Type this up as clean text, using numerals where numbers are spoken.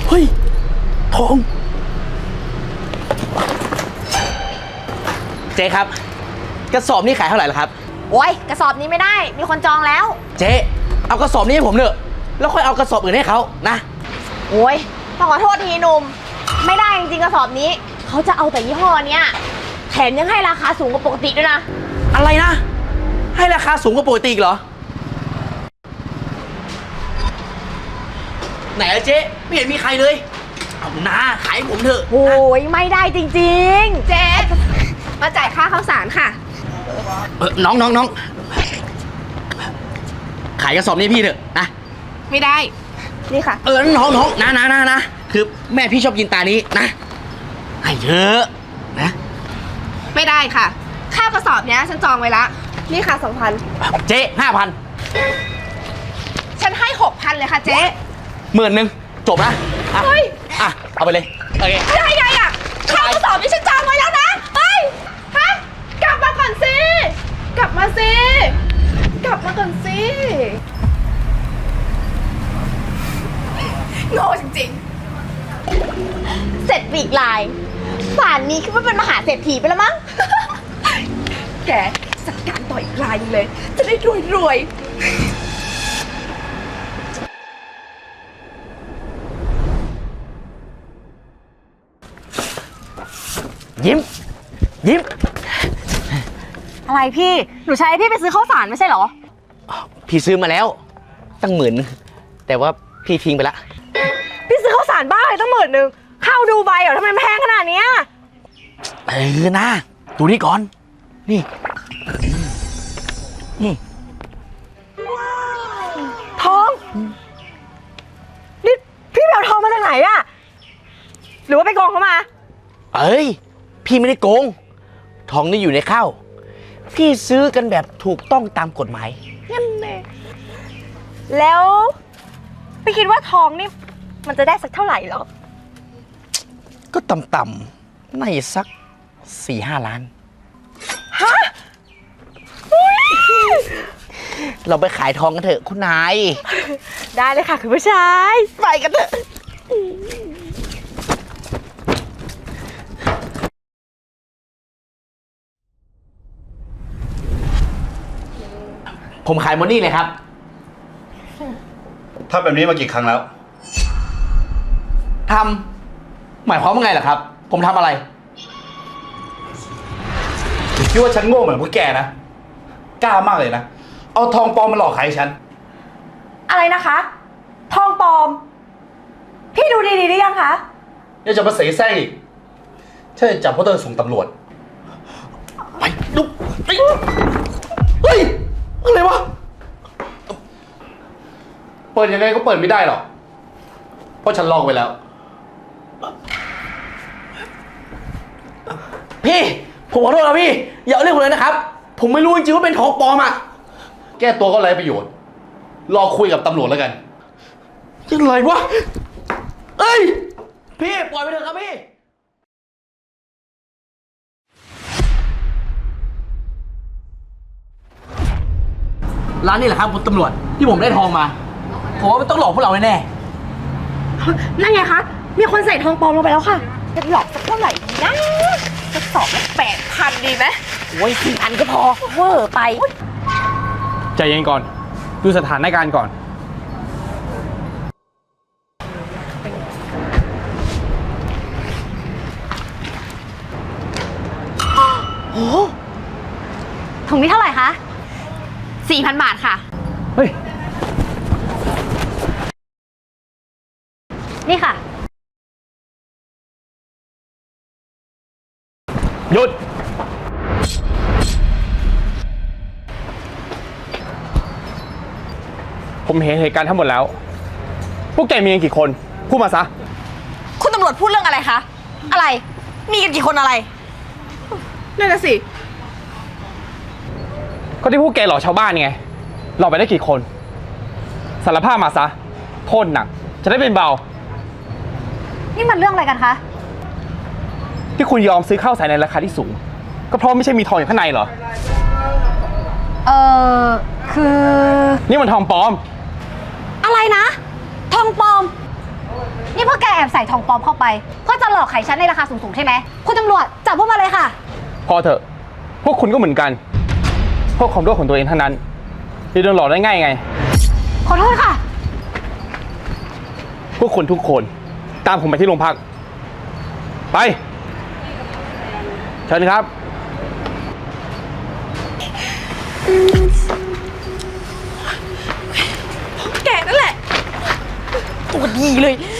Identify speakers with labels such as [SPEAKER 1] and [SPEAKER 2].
[SPEAKER 1] เฮ้ยทองเจ๊ครับกระสอบนี้ขายเท่าไหร่ล่ะครับ
[SPEAKER 2] โอ้ยกระสอบนี้ไม่ได้มีคนจองแล้ว
[SPEAKER 1] เจ๊เอากระสอบนี้ให้ผมเถอะแล้วค่อยเอากระสอบอื่นให้เขานะ
[SPEAKER 2] โอ้ยต้องขอโทษทีหนุ่มไม่ได้จริงๆกระสอบนี้เขาจะเอาแต่ยี่ห้อเนี้ยแถมยังให้ราคาสูงกว่าปกติด้วยนะ
[SPEAKER 1] อะไรนะให้ราคาสูงกว่าปกติเหรอไหนอะเจ๊ไม่เห็นมีใครเลยเอานาขายผมเถอะ
[SPEAKER 2] โอ้ยไม่ได้จริงๆเจ๊มาจ่ายค่าข้าวสารค่ะ
[SPEAKER 1] น้องขายกระสอบนี้พี่เถอะนะ
[SPEAKER 2] ไม่ได้นี่ค่ะ
[SPEAKER 1] น้องนะคือแม่พี่ชอบกินตานี้นะให้เยอะนะ
[SPEAKER 2] ไม่ได้ค่ะค่ากระสอบเนี้ยฉันจองไว้ละนี่ค่ะ 2,000
[SPEAKER 1] เจ๊5,000
[SPEAKER 2] ฉันให้ 6,000เลยค่ะเจ๊
[SPEAKER 1] 10,000จบนะ
[SPEAKER 2] เฮ้ย
[SPEAKER 1] เอาไปเลยโอเค
[SPEAKER 2] ได้ไงอ่ะค่ากระสอบนี้ฉันจองไว้แล้วนะเฮ้ยฮะกลับมาก่อนสิกลับมาก่อนสิโง่จริงๆเสร็จปีกลายป่านนี้คิดว่าเป็นมหาเศรษฐีไปแล้วมั้งแกจัดการต่ออีกลายนึงเลยจะได้รวย
[SPEAKER 1] ยิ้ม
[SPEAKER 2] อะไรพี่หนูใช้พี่ไปซื้อข้าวสารไม่ใช่เหรอ
[SPEAKER 1] พี่ซื้อมาแล้วตั้ง10,000แต่ว่าพี่ทิ้งไปละ
[SPEAKER 2] พี่ซื้อข้าวสารบ้าเลยตั้ง10,000ข้าวดูใบเหรอทำไมแพงขนาดนี้
[SPEAKER 1] นะดูนี่ก่อนนี่
[SPEAKER 2] ทองนี่พี่ไปเอาทองมาจากไหนอะหรือว่าไปโกงเขามา
[SPEAKER 1] พี่ไม่ได้โกงทองนี่อยู่ในข้าวพี่ซื้อกันแบบถูกต้องตามกฎหมาย
[SPEAKER 2] นั่นเองแล้วพี่คิดว่าทองนี่มันจะได้สักเท่าไหร่หรอ
[SPEAKER 1] ก็ต่ำๆน่าจะสัก4-5 ล้าน
[SPEAKER 2] ฮะ
[SPEAKER 1] เราไปขายทองกันเถอะคุณนาย
[SPEAKER 2] ได้เลยค่ะคุณผู้ชาย
[SPEAKER 1] ไปกันเถอะผมขายหมดนี่เลยครับ
[SPEAKER 3] ทำแบบนี้มากี่ครั้งแล้ว
[SPEAKER 1] หมายความว่าไงล่ะครับผมทำอะไร
[SPEAKER 3] คิดว่าฉันโง่เหมือนพวกแกนะกล้ามากเลยนะเอาทองปลอมมาหลอกขายฉัน
[SPEAKER 2] อะไรนะคะทองปลอมพี่ดูดีๆหรือยังคะ
[SPEAKER 3] ยังจะมาเสแสร้งอีกฉันจะจับพวกเธอส่งตำรวจ
[SPEAKER 1] ไปดูเฮ้ยอะไรวะ
[SPEAKER 3] เปิดยังไงก็เปิดไม่ได้หรอกเพราะฉันลอกไว้แล้ว
[SPEAKER 1] พี่ผมขอโทษนะพี่อย่าเอาเรื่องผมเลยนะครับผมไม่รู้จริงๆว่าเป็นทองปลอม
[SPEAKER 3] แก้ตัวก็ไร้ประโยชน์รอคุยกับตำรวจแล้วกัน
[SPEAKER 1] ยังไงวะพี่ปล่อยไปเถอะครับพี่ร้านนี้แหละครับคุณตำรวจที่ผมได้ทองมาผมว่ามันต้องหลอกพวกเราแน่
[SPEAKER 2] ๆนั่นไงคะมีคนใส่ทองปลอมลงไปแล้วค่ะจะหลอกสักเท่าไหร่ดีนะจะสอบละ8,000ดีไหม
[SPEAKER 1] โอ้ย4,000ก็พอ
[SPEAKER 2] เวอร์ไป
[SPEAKER 4] ใจเย็นก่อนดูสถานการณ์ก่อน
[SPEAKER 2] โอ้ถุงนี้เท่าไหร่คะ4,000 บาทค่ะ
[SPEAKER 4] เฮ้ย
[SPEAKER 2] นี่ค่ะ
[SPEAKER 4] หยุดผมเห็นเหตุการณ์ทั้งหมดแล้วพวกแกมีกันกี่คนพูดมาซะ
[SPEAKER 2] คุณตำรวจพูดเรื่องอะไรคะอะไรมีกันกี่คนอะไรนั่นน่ะสิ
[SPEAKER 4] ก็ที่พวกแกหลอกชาวบ้านไงหลอกไปได้กี่คนสารภาพมาซะโทษหนักจะได้เป็นเบา
[SPEAKER 2] นี่มันเรื่องอะไรกันคะ
[SPEAKER 4] ที่คุณยอมซื้อข้าวสารในราคาที่สูงก็เพราะไม่ใช่มีทองอยู่ข้างในเหรอ
[SPEAKER 2] คือ
[SPEAKER 4] นี่มันทองปลอม
[SPEAKER 2] อะไรนะทองปลอมนี่พวกแกแอบ
[SPEAKER 5] ส่ทองปลอมเข้าไปเพื่อจะหลอกขายฉันในราคาสูงๆใช่ไหมคุณตำรวจจับพวกมาเลยค่ะ
[SPEAKER 4] พอเถอะ พวกคุณก็เหมือนกัน พวกความรู้ของตัวเองทั้งนั้นจะโดนหลอกได้ง่ายไง
[SPEAKER 5] ขอโทษค่ะ
[SPEAKER 4] พวกคุณทุกคนตามผมไปที่โรงพัก ไปเชิญครับ
[SPEAKER 2] แกนั่นแหละ ตัวดีเลย